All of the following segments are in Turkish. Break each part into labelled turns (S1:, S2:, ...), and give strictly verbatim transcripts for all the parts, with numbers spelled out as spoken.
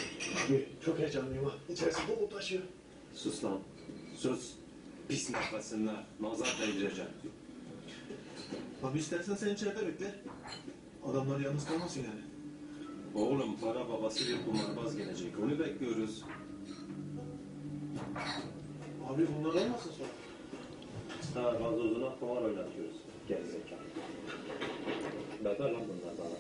S1: Abi çok heyecanlıyım ha. İçerisi dolu taşıyor.
S2: Sus lan. Sus. Pis nefesinle nazar değdireceğim.
S1: Abi istersen sen içeride bekle. Adamlar yalnız kalmasın yani.
S2: Oğlum para babası bir kumarbaz gelecek. Onu bekliyoruz.
S1: Abi bunlar olmasın sonra.
S2: Ha gazozuna kumar oynatıyoruz. Gerizekalı. Beter lan bunlar bana.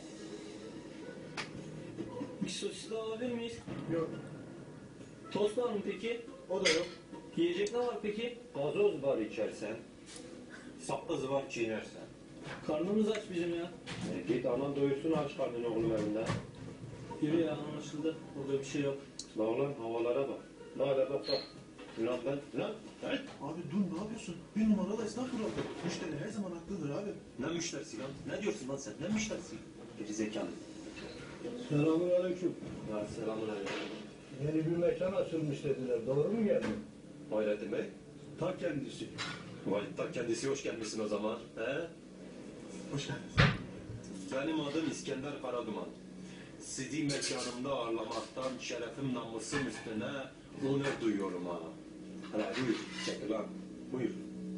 S3: Bir sosis daha alabilir miyiz?
S1: Yok.
S3: Tost var mı peki?
S1: O da yok.
S3: Yiyecek ne var peki?
S2: Gazoz var içersen. Sakız var çiğnersen.
S3: Karnımız aç bizim ya.
S2: E, git anan doyursun aç karnını oğlum evinde.
S3: Yürü ya anlaşıldı. Burada bir şey yok.
S2: La ulan havalara bak. La hele bak bak. Ulan ben, lan ben.
S1: Abi dur ne yapıyorsun? Bir numaralı esnaf burası. Müşteri her zaman haklıdır abi.
S2: Ne müşterisi lan? Ne diyorsun lan sen? Ne müşterisi? Gerizekalı.
S4: Selamünaleyküm.
S2: Ya selamun aleyküm.
S4: Yeni bir mekan açılmış dediler. Doğru mu geldi?
S2: Hayrettin Bey.
S4: Ta kendisi.
S2: Vay ta kendisi hoş gelmişsin o zaman. He?
S1: Hoş geldiniz.
S2: Benim adım İskender Karaduman. Sizi mekanımda ağırlamaktan şerefim namusum üstüne onur duyuyorum ha. Hala buyur, çekil lan. Buyur.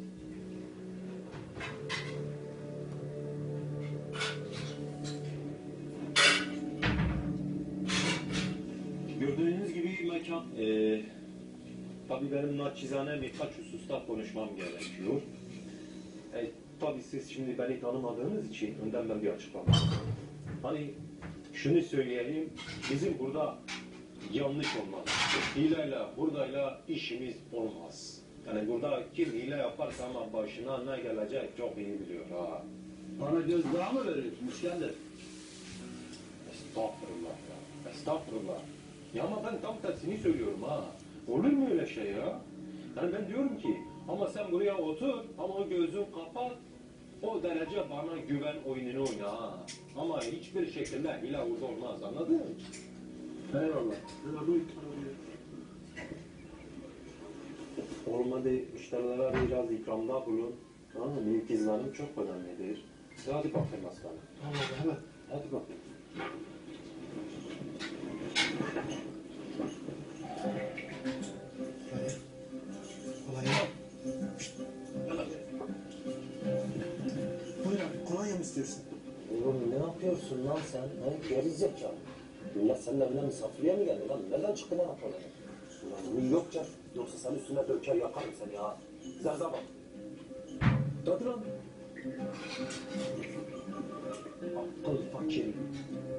S2: Gördüğünüz gibi mekan... Ee, tabii benim naçizane birkaç hususta konuşmam gerekiyor. E, tabii siz şimdi beni tanımadığınız için önden ben bir açıklama. Hani şunu söyleyeyim, bizim burada yanlış olmaz. Hileyle, buradayla işimiz olmaz. Yani burada kim hile yaparsa ama başına ne gelecek çok iyi biliyor ha.
S4: Bana gözdağı mı veriyorsun İskender?
S2: Estağfurullah ya, estağfurullah. Ya ama ben tam tersini söylüyorum ha. Olur mu öyle şey ya? Yani ben diyorum ki, ama sen buraya otur, ama o gözün kapat, o derece bana güven oyununu oyna ha. Ama hiçbir şekilde hile burada olmaz, anladın mı?
S4: Eyvallah.
S1: Ya bu arabaya.
S2: Olmadı müşterilere biraz ikramda bulun. Tamam mı? Büyük izlenim çok önemlidir. Hadi bakayım aslanım.
S1: Tamam abi hemen.
S2: Hadi bakayım.
S1: Kolay. Kolay ya. Buyur abi kolonya mı istiyorsun?
S5: Oğlum ne yapıyorsun lan sen? Ne geri zekalı. Millet senin evine misafirliğe mi geldi lan? Nereden çıktı lan Apollo? Ulan bunu yok can. Yoksa sen üstüne döker yakarım seni ya. Zerza bak. Tadı lan. Aptal fakir.